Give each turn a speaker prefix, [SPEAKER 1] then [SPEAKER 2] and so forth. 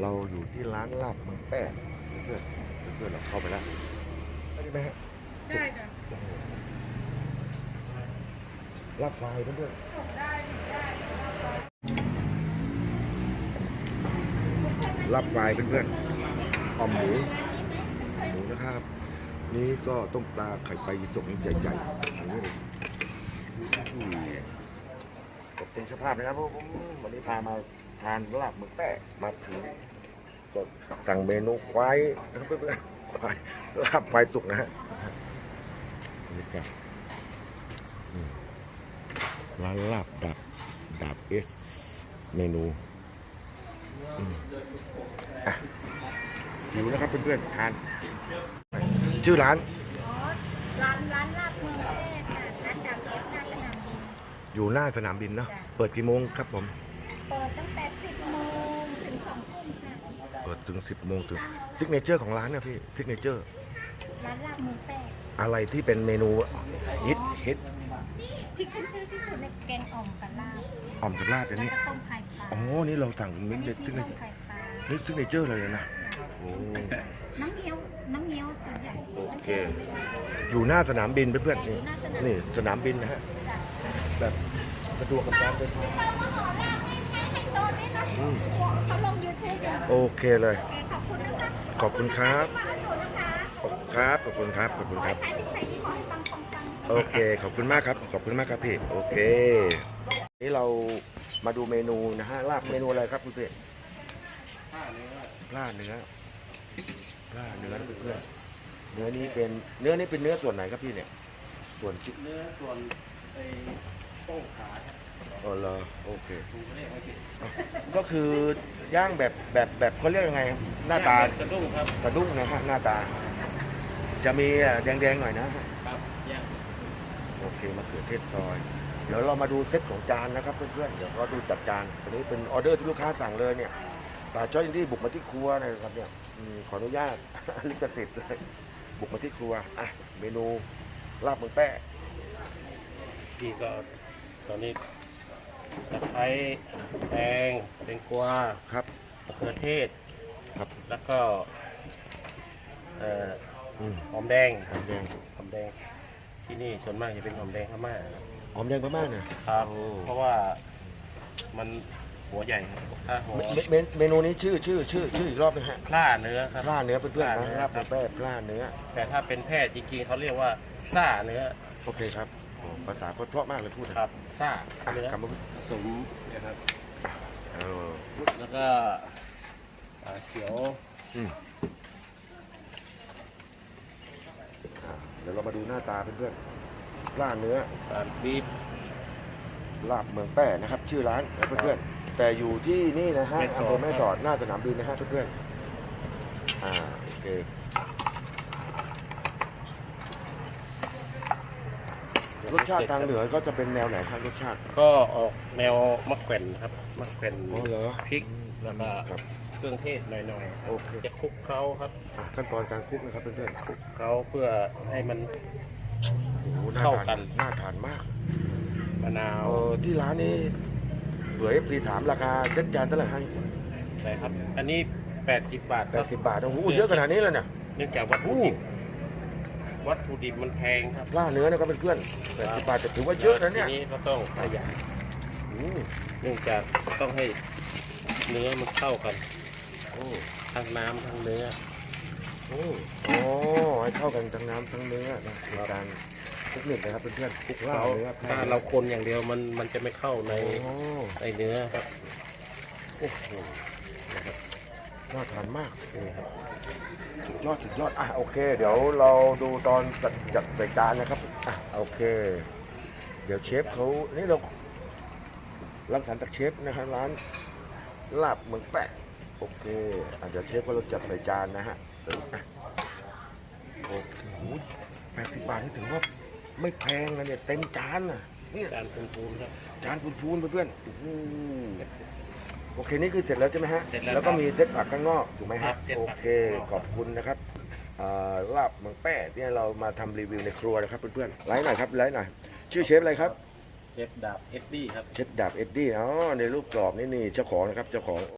[SPEAKER 1] เราอยู่ที่ร้านลาบเมืองแป้เพื่อนเพื่อนเราเข้าไปแล้วได้ไหมฮะ
[SPEAKER 2] ได้จ้ะ
[SPEAKER 1] โอ้โหลาบควายเพื่อน
[SPEAKER 2] ส่งได้ได้
[SPEAKER 1] ๆลาบควายเพื่อนๆอ่อมหมูนะครับ นี่ก็ต้มปลาไข่ปลายีสกใหญ่ๆอันนี้เลยขอบคุณเจ้าภาพนะครับผมวันนี้พามาทานลาบเมืองแป้มาถึงก็สั่งเมนูควายนะครับเพื่อนๆควายลาบควายสุกนะฮะนี่ครับร้านลาบดาบเอสเมนูหิวนะครับเพื่อนๆทานชื่อร้าน
[SPEAKER 2] อ๋อร้านลาบเมืองแพร่ค่ะร้านดังเอฟชาสนามบิน
[SPEAKER 1] อยู่หน้าสนามบินเนาะเปิดกี่โมงครับผม
[SPEAKER 2] เปิดตั้งแต่ 10 โมงถึง 2 ทุ่มค่ะ
[SPEAKER 1] เปิดถึง 10 โมงถึงซิกเนเจอร์ของร้านเนี่ยพี่ซิกเนเจอร์
[SPEAKER 2] ร้านลาบเมืองแพร่
[SPEAKER 1] อะไรที่เป็นเมนูฮิต
[SPEAKER 2] ที่ขึ้นชื่อที่สุดในแกงอ่อมกับลาบ
[SPEAKER 1] อ่อมกับลาบอัน
[SPEAKER 2] แล้ว
[SPEAKER 1] นี้
[SPEAKER 2] ก็ต้มไข่ปลา
[SPEAKER 1] อ๋อนี่เราสั่งมิกเด็ดซิกเน
[SPEAKER 2] ต้ม
[SPEAKER 1] เจอร์
[SPEAKER 2] ไข่ปลา
[SPEAKER 1] นี่ซิกเนเจอร์เลยนะโอ้
[SPEAKER 2] น้ำเงี้ยวส่วนใหญ่
[SPEAKER 1] โอเคอยู่หน้าสนามบินเพื่อนๆนี่สนามบินนะฮะแบบสะดวกกับการเดินทาง
[SPEAKER 2] เขาลงยูทูบอยู่
[SPEAKER 1] โอเคเลย
[SPEAKER 2] ขอบคุณนะคะ
[SPEAKER 1] ขอบคุณครับ
[SPEAKER 2] มาดูนะคะ
[SPEAKER 1] ขอบคุณครับขอบคุณครับ
[SPEAKER 2] ขายที่ไหนที่ขอให้ปังปังปัง
[SPEAKER 1] โอเคขอบคุณมากครับขอบคุณมากครับพี่โอเคนี่เรามาดูเมนูนะฮะลาบเมนูอะไรครับคุณพี่ลาบเนื้อนะเพื่อนๆเนื้อนี้เป็นเนื้อส่วนไหนครับพี่เนี่ยส่วนชิ้น
[SPEAKER 3] เนื้อส่วนไอ้ต้งขาครับ
[SPEAKER 1] อ๋อเหรอโอเค
[SPEAKER 3] ถูกเรียกไม่ผิด
[SPEAKER 1] ก็คือย่างแบบเขาเรียกยังไงหน้าตา
[SPEAKER 3] สะดุ้งครับ
[SPEAKER 1] สะดุ้งนะฮะหน้าตา จะมีแดงๆหน่อยนะฮะ
[SPEAKER 3] ครับย่าง
[SPEAKER 1] โอเคมะเขือเทศซอย เดี๋ยวเรามาดูเซตของจานนะครับเพื่อนๆเดี๋ยวเราดูจัดจานอันนี้เป็นออเดอร์ที่ลูกค้าสั่งเลยเนี่ยปลาจ้อยอินดี้บุกมาที่ครัวนะครับเนี่ยขออนุญาต ลิขสิทธิ์เลยบุกมาที่ครัวอ่ะเมนูลาบเมืองแป้
[SPEAKER 3] พี่ก็ตอนนี้ตะไคร้แตงแตงกวา
[SPEAKER 1] ครับ
[SPEAKER 3] มะเขือเทศ
[SPEAKER 1] ครับ
[SPEAKER 3] แล้วก็หอมแดง
[SPEAKER 1] หอมแดง
[SPEAKER 3] หอมแดงที่นี่ส่วนมากจะเป็นหอมแดงพม่า
[SPEAKER 1] หอมแดงพม่าเนี่ย
[SPEAKER 3] ครับ
[SPEAKER 1] โอ้
[SPEAKER 3] เพราะว่ามันหัวใหญ่ครับถ้าหัว
[SPEAKER 1] เมนูนี้ชื่ออีกรอบนึงฮะ
[SPEAKER 3] คล้าเนื้อครับ
[SPEAKER 1] พล่าเนื้อเพื่อนๆ
[SPEAKER 3] พล่าเนื้
[SPEAKER 1] นะ
[SPEAKER 3] อ
[SPEAKER 1] ลาบเมืองแป้พล่าเนื้อ
[SPEAKER 3] แต่ถ้าเป็นแพทย์จริงๆเขาเรียกว่าซ่าเนื้อ
[SPEAKER 1] โอเคครับโอ้ภาษาเพราะมากเลยพูดนะครับ
[SPEAKER 3] ซ่า
[SPEAKER 1] อ่ะ
[SPEAKER 3] เนื้อ
[SPEAKER 1] คำว่า
[SPEAKER 3] ผสมนะครับ
[SPEAKER 1] เออ
[SPEAKER 3] แล้วก็เขียว
[SPEAKER 1] เดี๋ยวเรามาดูหน้าตาเพื่อนๆล่าเนื้อ
[SPEAKER 3] บีบ
[SPEAKER 1] ลาบเมืองแป้นะครับ ชื่อร้านนะเพื่อนๆแต่อยู่ที่นี่นะฮะ
[SPEAKER 3] แม่สอด
[SPEAKER 1] อำเภอแม่สอดหน้าสนามบินนะฮะเพื่อนๆโอเครสชาติทางเหนือก็จะเป็นแนวไหนครับรสชาติ
[SPEAKER 3] ก็ออกแนวมะแขวนครับมะแขวน
[SPEAKER 1] อ๋อเหรอ
[SPEAKER 3] พริกแล้วก็
[SPEAKER 1] ครับ
[SPEAKER 3] เครื่องเทศหน่อยๆ
[SPEAKER 1] โอเค
[SPEAKER 3] จะคลุกเคล้าครับ
[SPEAKER 1] ขั้นตอนการคลุกนะครับเพื่อน
[SPEAKER 3] คลุกเคล้าเพื่อให้มัน
[SPEAKER 1] ๆโอ้โหน่า
[SPEAKER 3] เข้า
[SPEAKER 1] ทาน
[SPEAKER 3] กัน
[SPEAKER 1] น่าทานมาก
[SPEAKER 3] มะนาว
[SPEAKER 1] ที่ร้านนี้เผื่อFCถามราคาเซ็ตจานเท่าไหร่ให้
[SPEAKER 3] นะครับ อันนี้ 80 บาทครับ
[SPEAKER 1] 80 บาทโอ้โหเยอะขนาดนี้เลยเนี่ย
[SPEAKER 3] เนื่องจากวัตถุดิบมันแพงครับ
[SPEAKER 1] ล่าเนื้อนะครับเพื่อนๆ80 บาทจะถือว่าเยอะนะเนี่ย
[SPEAKER 3] ทีนี้ก็ต้องประหยัด
[SPEAKER 1] อืม
[SPEAKER 3] เนื่องจากต้องให้เนื้อมันเข้ากัน
[SPEAKER 1] โอ้
[SPEAKER 3] ทั้งน้ำทั้งเนื้อ
[SPEAKER 1] โอ้ให้เข้ากันทั้งน้ำทั้งเนื้อนะเป็นการคลุกเน็ตนะครับเพื่อนๆคลุกล่าเนื้อ
[SPEAKER 3] ถ้าเราคนอย่างเดียวมันจะไม่เข้าใน
[SPEAKER 1] โอ้
[SPEAKER 3] ในเนื้อครับ
[SPEAKER 1] โอ้โหนะครับน่าทานมาก
[SPEAKER 3] นี่ครับ
[SPEAKER 1] สุดยอดโอเค เดี๋ยวเราดูตอนจัดใส่จานนะครับโอเค เดี๋ยวเชฟเขานี่เรารังสรรค์จากเชฟนะครับร้านลาบเมืองแปะโอเคเดี๋ยวเชฟก็เราจัดใส่จานนะฮะโอ้โห80 บาทนี่ถือว่าไม่แพงนะเนี่ยเต็มจานนะเนี่ย
[SPEAKER 3] จานพูนๆครับ
[SPEAKER 1] จานพูนๆเพื่อนๆโอ้โหโอเคนี่คือเสร็จแล้วใช่ไหมฮะ
[SPEAKER 3] เสร็จแล้ว
[SPEAKER 1] แล้วก็
[SPEAKER 3] ครับ
[SPEAKER 1] มีเซตผักข้างนอกถูกไหม
[SPEAKER 3] ครั
[SPEAKER 1] ฮะ
[SPEAKER 3] บเซต
[SPEAKER 1] โอ
[SPEAKER 3] ผัก
[SPEAKER 1] เคขอบคุณนะครับลาบเมืองแป้ที่เรามาทำรีวิวในครัวนะครับเพื่อนๆไลฟ์หน่อยครับไลฟ์หน่อยชื่อเชฟอะไรครับ
[SPEAKER 3] เชฟดาบเอ็ดดี้ครับ
[SPEAKER 1] เชฟดาบเอ็ดดี้อ๋อในรูปกรอบนี่เจ้าของนะครับเจ้าของ